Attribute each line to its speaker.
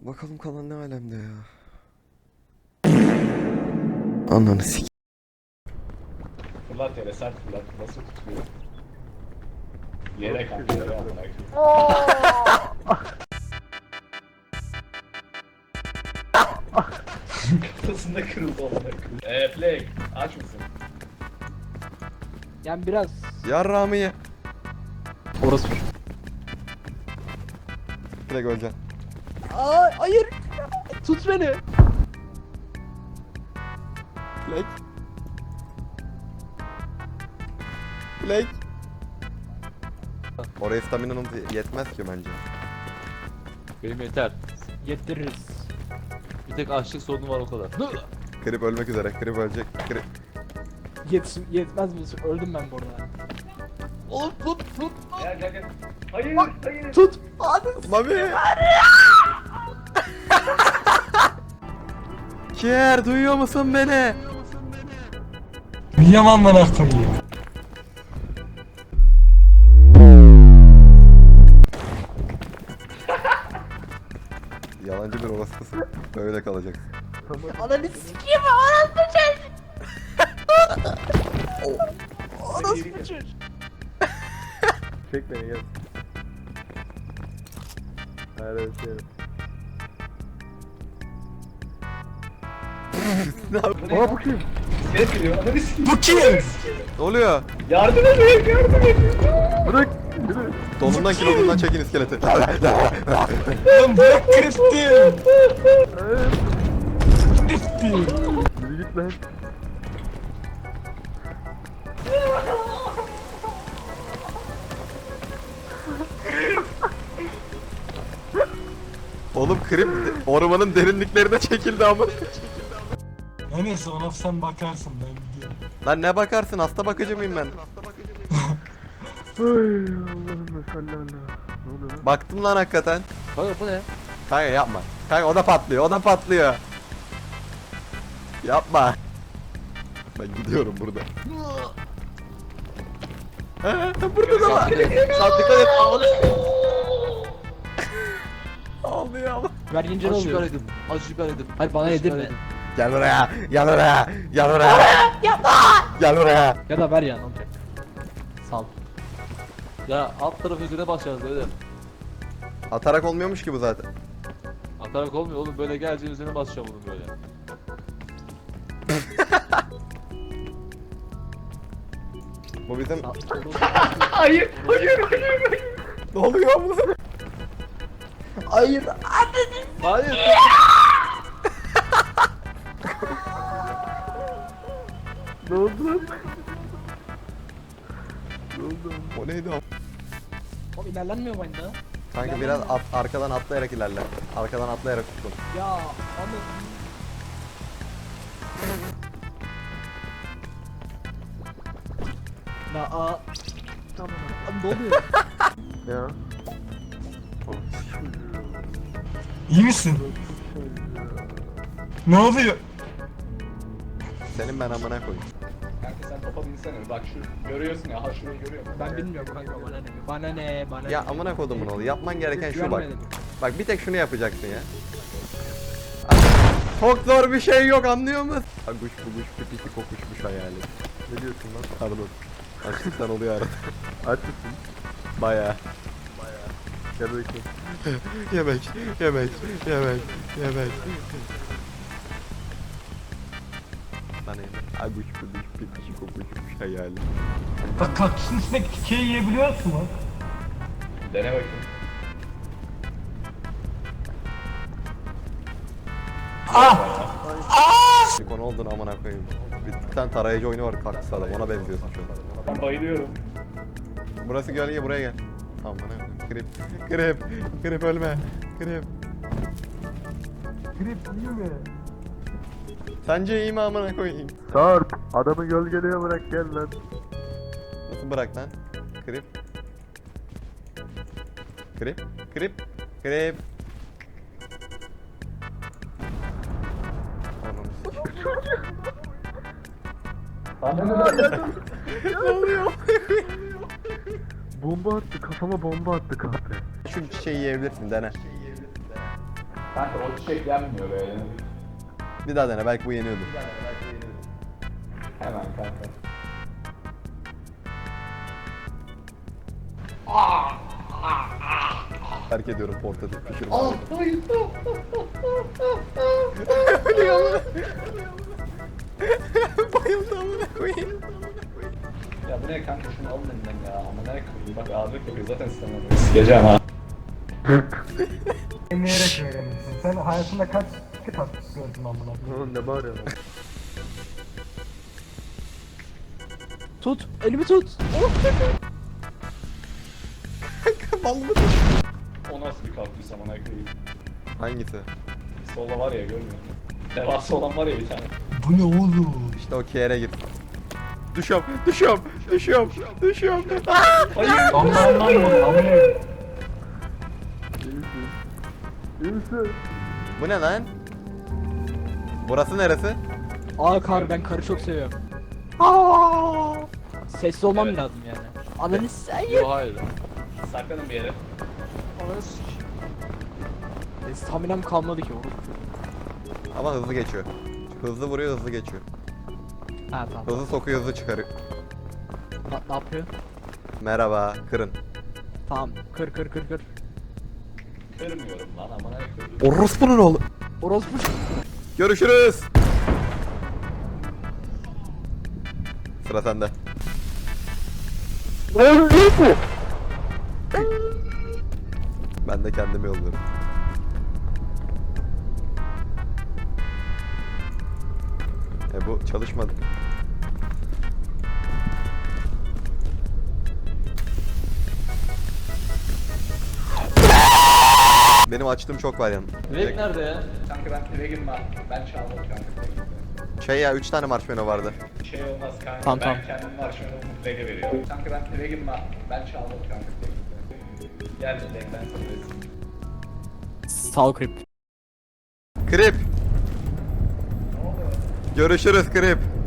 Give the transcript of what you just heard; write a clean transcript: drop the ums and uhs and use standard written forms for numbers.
Speaker 1: Bakalım kalan ne alemde ya. Ananı sik.
Speaker 2: Fırlat yere sert fırlat. Nasıl tutuyor? Yere kanka yere amına koyayım. Kafasında kırıldı amına koyayım. Play aç mısın?
Speaker 3: Yani biraz
Speaker 1: Yarrağımı ye.
Speaker 3: orası.
Speaker 1: Direkt öleceksin.
Speaker 3: Aa, hayır. Tut beni.
Speaker 1: Black. Black. Oraya stamina'nın yetmez ki bence.
Speaker 4: Benim yeter.
Speaker 3: Yediririz.
Speaker 4: Bir tek açlık sorunu var o kadar.
Speaker 1: Krip ölmek üzere. Krip ölecek. Krip.
Speaker 3: Yetmez mi? Öldüm ben bu arada.
Speaker 4: Oğlum tut.
Speaker 2: Gel gel gel. Hayır hayır.
Speaker 3: Tut. Hadi.
Speaker 1: Mami. Kier duyuyor musun beni?
Speaker 5: Yaman bana koyayım.
Speaker 1: Yalancı bir orospusun. Böyle kalacaksın.
Speaker 3: Ananı sikeyim. Orası Orası çocuk.
Speaker 1: Çek beni gel. Evet evet.
Speaker 2: Aa bu kim? İskelet geliyor. Ananı sikeyim.
Speaker 5: Bu kim?
Speaker 1: Ne oluyor?
Speaker 2: Yardım edin yardım edin.
Speaker 1: Bırak. Donundan kilodundan çekin iskeleti.
Speaker 5: Lan bırak Kriptim. Kriptim.
Speaker 1: Yürü git lan. Oğlum krip ormanın derinliklerine çekildi ama.
Speaker 5: Neyse ona sen bakarsın ben gidiyorum.
Speaker 1: Lan ne bakarsın, hasta bakıcı mıyım ben? Baktım lan hakikaten.
Speaker 4: Kanka bu ne?
Speaker 1: Kanka yapma. Kanka o da patlıyor, o da patlıyor. Yapma. Ben gidiyorum burada. Burada da var.
Speaker 4: Sen dikkat et.
Speaker 1: Ağlıyor ama.
Speaker 3: Ver yiyince ne
Speaker 4: Acı
Speaker 3: oluyor?
Speaker 4: biber yedim. Acı biber yedim.
Speaker 3: Hayır bana
Speaker 4: Acı
Speaker 3: yedirme.
Speaker 4: biber yedim.
Speaker 1: Gel buraya, gel buraya, gel buraya. Gel buraya.
Speaker 3: Ya da ver ya ne olacak? Sal.
Speaker 4: Ya alt tarafı üzerine basacağız böyle.
Speaker 1: Atarak olmuyormuş ki bu zaten.
Speaker 4: Atarak olmuyor oğlum, böyle geleceğin üzerine basacağım bunu böyle.
Speaker 1: Bu bizim...
Speaker 2: Hayır hayır hayır.
Speaker 1: Ne oluyor bu?
Speaker 3: Hayır.
Speaker 4: Hayır.
Speaker 1: Ne oldu lan? Ne oldu? O neydi o?
Speaker 3: Oğlum ilerlenmiyor bu oyunda.
Speaker 1: Kanka biraz arkadan atlayarak ilerle. Arkadan atlayarak tutun.
Speaker 3: Ya ama Ya tamam. Abi ne oluyor?
Speaker 1: Ya.
Speaker 5: İyi misin? Ne oluyor?
Speaker 1: Senin ben amına koyayım.
Speaker 2: Kanka sen topa binsene. Bak şu görüyorsun ya. Ha şurayı görüyor musun?
Speaker 3: Ben bilmiyorum kanka bana ne? Bana ne? Bana
Speaker 1: Ya
Speaker 3: ne?
Speaker 1: amına kodumun oğlu. Yapman gereken şu bak.
Speaker 3: Güvenmedim.
Speaker 1: Bak bir tek şunu yapacaksın ya. Çok zor bir şey yok, anlıyor musun? Kuş buluş pipisi kokuşmuş hayali. Ne diyorsun lan? Pardon. Açlıktan oluyor arada. Aç mısın? Bayağı. Gel bakayım. yemek, yemek, yemek, yemek. Bana yemek. Aguş buluş pipisi kokuşmuş hayali.
Speaker 5: Bak kaktüsün içinde keke yiyebiliyor musun lan?
Speaker 2: Dene bakayım.
Speaker 1: Konu oldun amına koyayım. Bir tane tarayıcı oyunu var kaktüs adam, ona benziyorsun şu an.
Speaker 2: Ben bayılıyorum.
Speaker 1: Burası gölge, buraya gel. Amına koyayım. Grip, grip, grip ölme. Grip.
Speaker 5: Krip iyi mi?
Speaker 1: Sence iyi mi amına koyayım?
Speaker 6: Sarp, adamı gölgeliğe bırak gel lan.
Speaker 1: Nasıl bırak lan? Grip. Grip, grip, grip. Ne oluyor?
Speaker 6: Bomba attı, kafama bomba attı kahpe.
Speaker 1: Şu çiçeği yiyebilirsin, dene.
Speaker 2: Kanka o çiçek yenmiyor böyle.
Speaker 1: Bir daha dene belki bu yeniyordu.
Speaker 2: Hemen kanka.
Speaker 1: Terk ediyorum portatif pişirme.
Speaker 2: Hayır.
Speaker 1: Bayıldı amına koyayım.
Speaker 2: Ya bu ne kanka şunu alın elinden ya. Ama ne koyayım bak ağırlık yapıyor zaten istemem. Sikeceğim ha.
Speaker 5: Deneyerek öğrenirsin. Sen hayatında kaç kitap gördün amına koyayım?
Speaker 6: Oğlum ne bağırıyorsun?
Speaker 3: Tut. Elimi tut.
Speaker 2: O nasıl bir kaktüs amına koyayım.
Speaker 1: Hangisi?
Speaker 2: Solda var ya görmüyor musun? Devasa olan var ya bir tane.
Speaker 5: Bu ne oğlum?
Speaker 1: İşte o kere git. Düşüyorum.
Speaker 2: Hayır.
Speaker 5: Aman lan bu amına.
Speaker 1: Bu ne lan? Burası neresi?
Speaker 3: Aa kar ben karı çok seviyorum. Aa! Sessiz olmam
Speaker 2: Evet.
Speaker 3: lazım yani. Ananı sen
Speaker 4: Yo hayır.
Speaker 2: Saklanın bir yere.
Speaker 4: Ananı sik.
Speaker 3: Staminam kalmadı ki oğlum.
Speaker 1: Ama hızlı geçiyor. Hızlı vuruyor, hızlı geçiyor.
Speaker 3: Ha tamam.
Speaker 1: Hızlı sokuyor, hızlı çıkarıyor.
Speaker 3: Ne yapıyor?
Speaker 1: Merhaba, kırın.
Speaker 3: Tamam. Kır.
Speaker 2: Kırmıyorum lan amına koyayım.
Speaker 1: Orospu'nun oğlu.
Speaker 3: Orospu.
Speaker 1: Görüşürüz. Sıra sende. Ben de kendimi yolluyorum. Bu çalışmadı. Benim açtığım çok var yanım.
Speaker 4: Direkt nerede ya?
Speaker 2: Kanka ben eve girme. Ben çaldım kanka.
Speaker 1: Şey ya 3 tane marshmallow vardı.
Speaker 2: Bir şey olmaz kanka.
Speaker 3: Tamam,
Speaker 2: ben
Speaker 3: tamam.
Speaker 2: kendim marshmallow'u mutlaka veriyorum. Kanka ben eve girme. Ben çaldım kanka. Gel Dilek ben sana vereyim.
Speaker 3: Sağ ol Krip.
Speaker 1: Krip. Görüşürüz Krip.